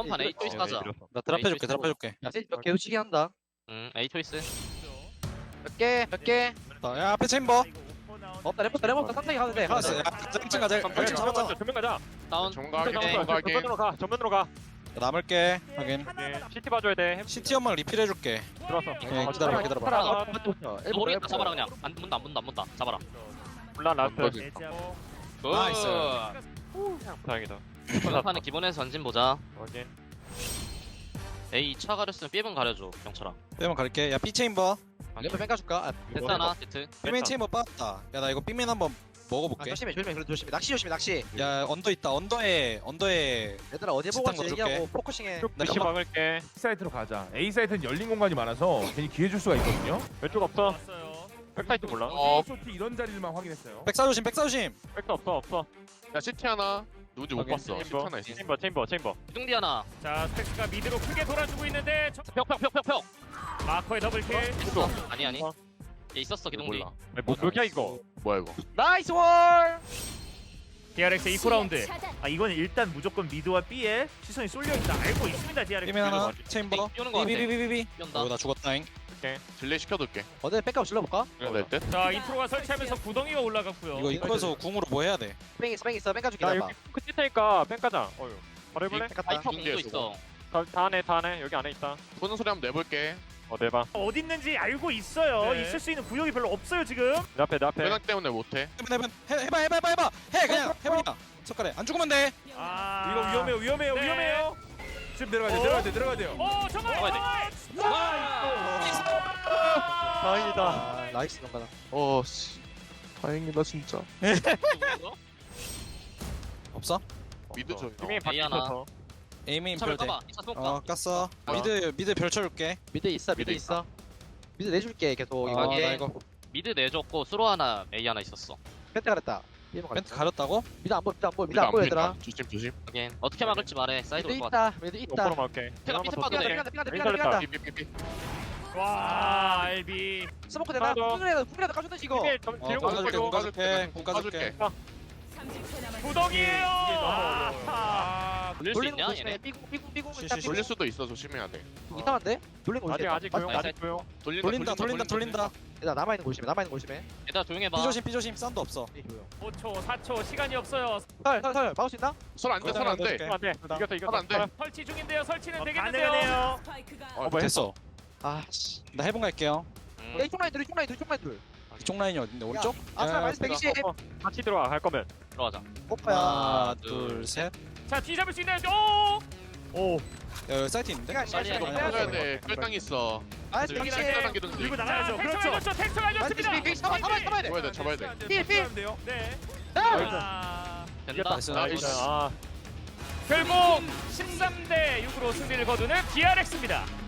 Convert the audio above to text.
이번 판 A 초이스 하자. 나 드랍 해줄게 드랍 해줄게. 야 세이지 개우치기 한다. A 초이스. 몇 개. 야 앞에 챔버. 없다 레몬 없다 산타기 가도 돼. 알았어. 야 1층 가자. 1층 잡았잖아. 전면 가자. 다운. 전면으로 가. 전면으로 가. 남을게. 확인. CT 봐줘야 돼. CT 연막 리필 해줄게. 들어왔어. 오케이, 기다려봐 기다려봐. 파라. 너 모르겠다. 잡아라 그냥. 안 문다. 잡아라. 몰라 라스트. 나이스. 다행이다. 이번 판은 기본에서 전진 보자. 확인. A 2차 가렸으면 B번 가려줘. 경찰아. 빼면 갈게. 야 B 체인버. 레몬 뺑가줄까? 됐다나 세트. B맨 체인버 빠졌다. 야 나 이거 B맨 한번 먹어볼게. 조심해 그래도 조심해. 낚시 조심해 낚시. 야 언더 있다. 언더에 얘들아 어디 보고 짓단 왔지 거 얘기하고 포커싱해. 나 PC 막을게. 사이트로 가자. A 사이트는 열린 공간이 많아서 괜히 기회 줄 수가 있거든요. 왼쪽 없어. 백사이트 몰라. 쇼티 이런 자리를만 확인했어요. 백사조심 백사조심. 백도 없어. 야 CT 하나 누군지 못 확인. 봤어. CT 하나 있어. 체인버. 기둥디 하나. 자 스택스가 미드로 크게 돌아주고 있는데 벽. 마커의 더블킬. 아니. 얘 있었어 기둥디. 몰라. 뭐 그렇게 이거. 뭐야 이거? 나이스 월. DRX 2라운드. 아 이건 일단 무조건 미드와 B에 시선이 쏠려있다 알고 있습니다 DRX. B맨 하나. 체인버. 띄우는 거 같아. 비비비비비. 뛴다. 나 죽었다잉. 딜레이 시켜둘게. 어디 백업 질러볼까? 그래 될 듯? 자 인트로가 설치하면서 구덩이가 올라갔고요. 이거 입구에서 궁으로 뭐 해야 돼? 뺑 있어 뺑가줄게 야 나봐. 여기 끝에 테니까 뺑 가자. 어휴. 바로 해볼래? 아이파 공도 있어. 다 안에 여기 안에 있다. 쏘는 소리 한번 내볼게. 내봐. 어디 있는지 알고 있어요. 네. 있을 수 있는 구역이 별로 없어요 지금. 내 앞에. 회장 때문에 못해. 해봐. 해 그냥 해보니까. 석가래 안 죽으면 돼. 아 이거 위험해요. 네. 지금 내려가야 돼요. 정말. 잡아야 다행이다. 나이스 넘가다. 씨. 다행이다 진짜. 없어? 미드 줘. 이미 밖에 하나. 있어서. 에이메인 차별 별대. 까봐. 2차 스모크 까. 깠어. 미드 별 쳐줄게. 미드 있어. 미드 내줄게 계속 이거. 나 이게- 이거 미드 내줬고 수로 하나 A 하나 있었어. 펜트 가렸다. 멘트 가렸다고? 미드 안 보여 얘들아. 조심. 확인. 어떻게 막을지 말해. 사이드 미드 올것 같아. 있다. 미드 오퍼로 있다. 막게. 태가 피트 빠져 돼. 삐간다. 삐삐삐삐. 와 알비. 스모크 되나? 하나 더. 궁이라도 까준다 이거. 이게 좀 뒤로 까줄게, 가지고. 까줄게. 까줄게. 구덩이에요. 돌릴 수 돌리는 있냐 거 조심해. 얘네? 삐궁 일단 쉬쉬. 돌릴 수도 있어. 조심해야 돼. 이상한데? 돌리는 거 아직 조용. 맞아. 아직 조용. 돌린다. 얘들아 남아 있는 거 조심해. 얘들아 조용해봐. 삐조심. 사운드 없어. 5초 4초 시간이 없어요. 설 막을 수 있나? 설안 돼. 설안 돼. 안돼. 이겼어. 안 돼. 설치 중인데요. 설치는 어, 되겠는데요. 됐어. 아씨. 나 해본 갈게요. 이쪽 라인 둘. 이쪽 라인이 어딘데? 오른쪽? 아스날 야, 마이너스 120. 같이 들어와 갈 거면. 들어가자. 오빠야. 하나, 둘, 셋. 자 뒤잡을 수 있나요? 오. 야, 여기 사이트 있는데? 빨리 해야 돼. 끌당 있어. 마이너스 들기 120. 끌당 기둥 밀고 들. 나가야죠. 그렇죠. 텍스가 알렸습니다. 마이너스 120. 잡아야 돼. 잡아야 돼. 필. 네. 아, 된다. 나이스. 나이스. 아. 결국 13대 6으로 승리를 거두는 DRX입니다.